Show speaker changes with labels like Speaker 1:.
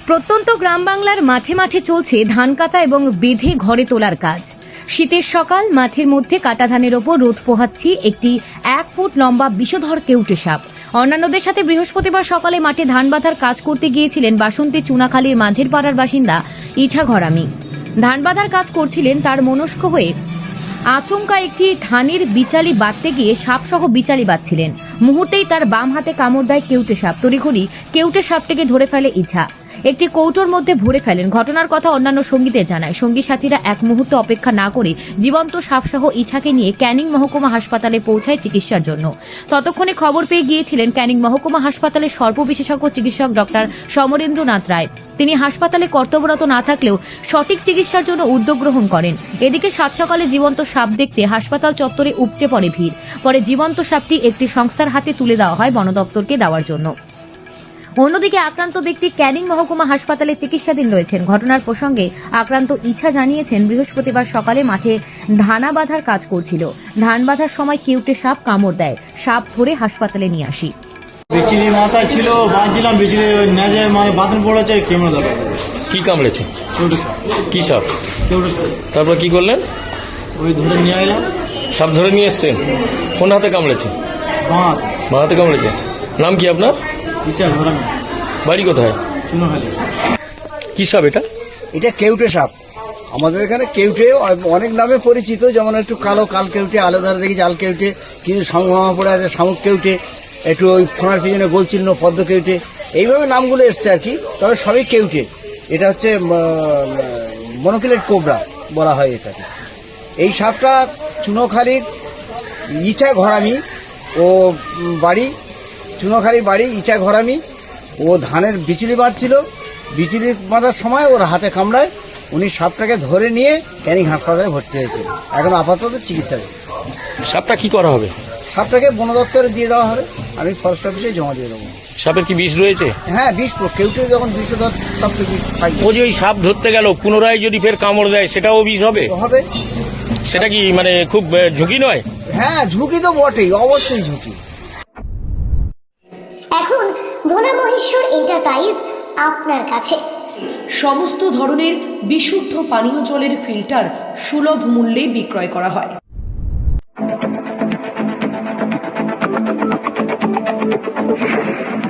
Speaker 1: প্রত্যন্ত গ্রাম বাংলার মাঠে মাঠে চলছে ধান কাটা এবং বেঁধে ঘরে তোলার কাজ। শীতের সকাল, মাঠের মধ্যে কাটা ধানের ওপর রোদ পোহাচ্ছি একটি 1 ফুট লম্বা বিষধর কেউটে সাপ। অন্যান্যদের সাথে বৃহস্পতিবার সকালে মাঠে ধান বাঁধার কাজ করতে গিয়েছিলেন বাসন্তী চুনাখালীর মাঝের পাড়ার বাসিন্দা ইছা ঘরামি। ধান বাঁধার কাজ করছিলেন, তার মনস্ক হয়ে আচমকা একটি ধানের বিচালি বাঁধতে গিয়ে সাপসহ বিচালি বাঁধছিলেন। মুহূর্তেই তার বাম হাতে কামড় দেয় কেউটে সাপ। তড়িঘড়ি কেউটে সাপটিকে ধরে ফেলে ইছা, একটি কৌটোর মধ্যে ভরে ফেলেন। ঘটনার কথা অন্যান্য সঙ্গীদের জানায়। সঙ্গী সাথীরা এক মুহূর্ত অপেক্ষা না করে জীবন্ত সাপসহ ইছাকে নিয়ে ক্যানিং মহকুমা হাসপাতালে পৌঁছায় চিকিৎসার জন্য। ততক্ষণে খবর পেয়ে গিয়েছিলেন ক্যানিং মহকুমা হাসপাতালের সর্প বিশেষজ্ঞ চিকিৎসক ডক্টর সমরেন্দ্রনাথ রায়। তিনি হাসপাতালে কর্তব্যরত না থাকলেও সঠিক চিকিৎসার জন্য উদ্যোগ গ্রহণ করেন। এদিকে সাত সকালে জীবন্ত সাপ দেখতে হাসপাতাল চত্বরে উপচে পড়ে ভিড়। পরে জীবন্ত সাপটি একটি সংস্থার হাতে তুলে দেওয়া হয় বন দপ্তরকে দেওয়ার জন্য। অন্যদিকে আক্রান্ত ব্যক্তি ক্যানিং মহকুমা হাসপাতালে চিকিৎসাধীন রয়েছেন। ঘটনার প্রসঙ্গে আক্রান্ত ইছা জানিয়েছেন, বৃহস্পতিবার সকালে মাঠে ধানা বাঁধার কাজ করছিল। ধান বাঁধার সময় কেউটে সাপ কামড় দেয়। সাপ ধরে হাসপাতালে নিয়ে আসি।
Speaker 2: বিচিনি মাথায় ছিল, বাঁধছিলাম, বিচিনি নেজে মানে বাথরুম পড়েছে, কেমন দাঁড়া।
Speaker 3: কি কামড়েছে?
Speaker 2: কেউটে সাপ।
Speaker 3: কি সাপ?
Speaker 2: কেউটে সাপ।
Speaker 3: তারপর কি করলেন?
Speaker 2: ওই ধরে নিয়ে এলাম।
Speaker 3: সাপ ধরে নিয়ে এসছেন? কোন হাতে কামড়েছে?
Speaker 2: বাঁ
Speaker 3: হাতে কামড়েছে। নাম কি আপনার?
Speaker 2: ইচ্ছা ধরামি।
Speaker 3: বাড়ি কোথায়?
Speaker 2: চুনাখালী।
Speaker 3: কি সাপ এটা?
Speaker 4: এটা কেউটে সাপ। আমাদের এখানে কেউটে অনেক নামে পরিচিত, যেমন একটু কালো কাল কেউটে, আলাদা দেখি জাল কেউটে, কিছু সংগ্রামা পড়ে আছে শামুক কেউটে, একটু ওই ফোনার পিছনে গোলচিহ্ন পদ্ম কেউটে, এইভাবে নামগুলো এসছে আর কি। তবে সবই কেউটে। এটা হচ্ছে মনোকিলেট কোবরা বলা হয় এটাকে। এই সাপটা চুনোখালীর ইচা ঘরামি ও বাড়ি, চুনোখালীর বাড়ি ইচা ঘরামি। ও ধানের বিচুলি বাঁধছিল, বিচুলি বাঁধার সময় ওর হাতে কামড়ায়। উনি সাপটাকে ধরে নিয়ে ক্যানিং হাসপাতালে ভর্তি হয়েছিল। এখন আপাতত চিকিৎসায়।
Speaker 3: সাপটা কি করা হবে?
Speaker 4: সাপটাকে বন দপ্তরে দিয়ে দেওয়া হবে, আমি ফরেস্ট অফিসে জমা দিয়ে দেবো।
Speaker 3: সাপের কি বিষ রয়েছে?
Speaker 4: হ্যাঁ, বিষ তো কেউটে যখন বিষ ধর সাপ তো বিষ থাকবে।
Speaker 3: ও যে ওই সাপ ধরতে গেল, পুনরায় যদি ফের কামড় দেয় সেটাও বিষ হবে?
Speaker 4: হবে।
Speaker 3: সেটা কি মানে খুব ঝুঁকি নয়?
Speaker 4: হ্যাঁ, ঝুঁকি তো বটেই, অবশ্যই ঝুঁকি।
Speaker 5: এখন ভোলা মহেশ্বর এন্টারপ্রাইজ আপনার কাছে
Speaker 6: সমস্ত ধরনের বিশুদ্ধ পানীয় জলের ফিল্টার সুলভ মূল্যে বিক্রয় করা হয়।